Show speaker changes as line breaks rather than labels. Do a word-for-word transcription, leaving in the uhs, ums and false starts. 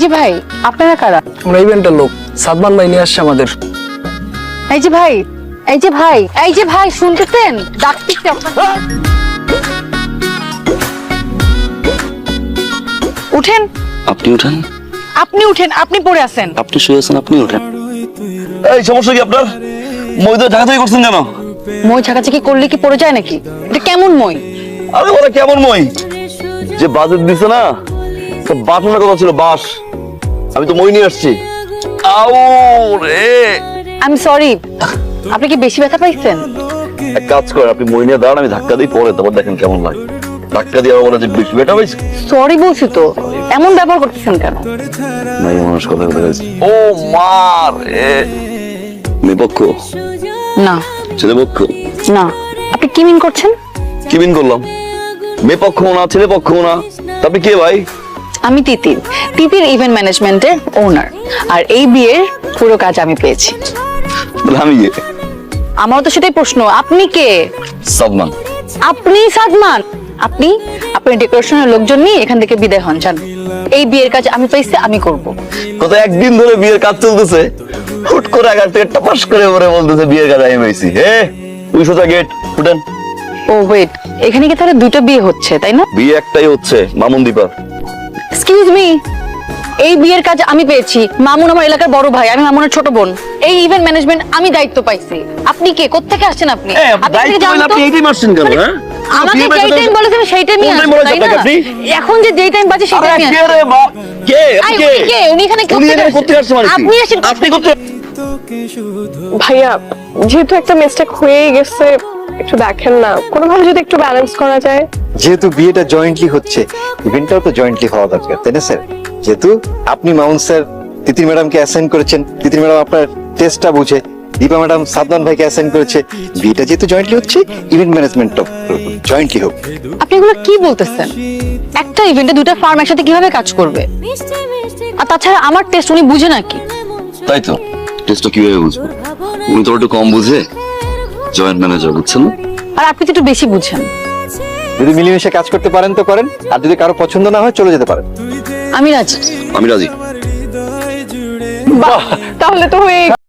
যে ভাই, আপনারা কারা?
আমরা ইভেন্টের লোক, সাদমান ভাই নিয়ে আসছে আমাদের।
এই যে ভাই, এই যে ভাই, এই যে ভাই, শুনতেছেন? ডাকতেছি আপনাকে। উঠেন।
আপনি উঠেন।
আপনি উঠেন, আপনি পড়ে আছেন।
আপনি শুয়ে আছেন, আপনি উঠেন।
এই সমস্যা কি আপনার? মই তো ঢাকা থেকে করছেন কেন?
মই ছাকাছাকি করলে কি পড়ে যায় নাকি? এটা কেমন মই?
আরে বলে কেমন মই? যে বাজেট দিছে না, সব বাটনের কথা ছিল, বাস। আমি তো মই নিয়ে আসছি। আউ রে,
আই এম সরি। আপনি কি বেশি ব্যথা পাইছেন?
এক কাজ করেন, আপনি মই নিয়ে দাঁড়ান, আমি ধাক্কা দিই, পরে তারপর দেখেন কেমন লাগে। ধাক্কা দিয়ে আবার বলে যে বেশি বেটা পাইছে।
সরি বলছি তো, এমন ব্যবহার করতেছেন কেন?
নাই মানুষ কথা বলে গেছে। ও মা রে, মেয়ে পক্ষ
না
ছেলে পক্ষ?
না, আপনি কি মিন করছেন?
কি বিন করলাম? মেয়ে পক্ষ না, ছেলে পক্ষ না, তা আপনি কে ভাই?
আমি তিতির, তিতির ইভেন্ট ম্যানেজমেন্টের ওনার। আর এই বিয়ের পুরো কাজ আমি পেয়েছি।
তাহলে আমি কে?
আমার তো সেটাই প্রশ্ন, আপনি কে?
সাদমান।
আপনি সাদমান? আপনি আপনি ডেকোরেশনের লোকজন নিয়ে এখান থেকে বিদায় হন, যান। এই বিয়ের কাজ আমি পেয়েছি, আমি করব।
গত একদিন ধরে বিয়ের কাজ চলতেছে, হুট করে আগার থেকে টপাস করে পরে বলতেছে বিয়ের কাজ আমি পেয়েছি। হে তুই সোজা গেট ফুটেন।
ও ওয়েট, এখানে কি তাহলে দুটো বিয়ে হচ্ছে, তাই না?
বিয়ে একটাই হচ্ছে, মামুন দীপা।
এক্সকিউজ মি, এই বিয়ের কাজ আমি পেয়েছি। মামুন আমার এলাকার বড় ভাই, আমি মামুনের ছোট বোন। এই ইভেন্ট ম্যানেজমেন্ট আমি দায়িত্ব পাইছি। আপনি কে? কোত্থেকে আসছেন আপনি? আপনি থেকে জানেন তো?
আপনি এইটাই মারছেন কেন? হ্যাঁ
আমাকে যেই টাইম বলেছেন সেই টাইমই
কোন time
আসবেন,
বলেছেন
তাই না?
আপনাকে আপনি?
এখন যে যেই টাইম বাজে সেই
আরে
টাইমই
কে
আসবেন।
রে মা? কে? আপনি
আই,
কে?
উনি কে? উনি এখানে
উনি
কোত্থেকে
এখানে
আসছেন?
কোত্থেকে আসছেন মানে কি?
আপনি আসেন।
আপনি কোত্থেকে?
ভাইয়া, যেহেতু একটা মিস্টেক হয়েই গেছে, একটু দেখেন না, কোনোভাবে যদি একটু ব্যালেন্স করা যায়।
যেহেতু বিয়েটা জয়েন্টলি হচ্ছে, ইভেন্টটাও তো জয়েন্টলি হওয়া দরকার, তাই না স্যার? যেহেতু আপনি মামুন স্যার তিতির ম্যাডামকে অ্যাসাইন করেছেন, তিতির ম্যাডাম আপনার টেস্টটা বুঝে, দীপা ম্যাডাম সাদমান ভাইকে অ্যাসাইন করেছে, বিয়েটা যেহেতু জয়েন্টলি হচ্ছে, ইভেন্ট ম্যানেজমেন্টটাও জয়েন্টলি হোক।
আপনি এগুলো কি বলতেছেন? একটা ইভেন্টে দুটো ফার্ম একসাথে কিভাবে কাজ করবে? আর তাছাড়া আমার টেস্ট উনি বুঝে নাকি?
তাই তো, টেস্টটা কিভাবে বুঝবো? উনি তো একটু কম বুঝে, জয়েন্ট ম্যানেজার, বুঝছেন না?
আর আপনি তো একটু বেশি বুঝেন।
যদি মিলেমিশে কাজ করতে পারেন তো করেন, আর যদি কারো পছন্দ না হয় চলে যেতে পারেন।
আমি রাজি।
আমি রাজি।
বাহ, তাহলে তো হয়ে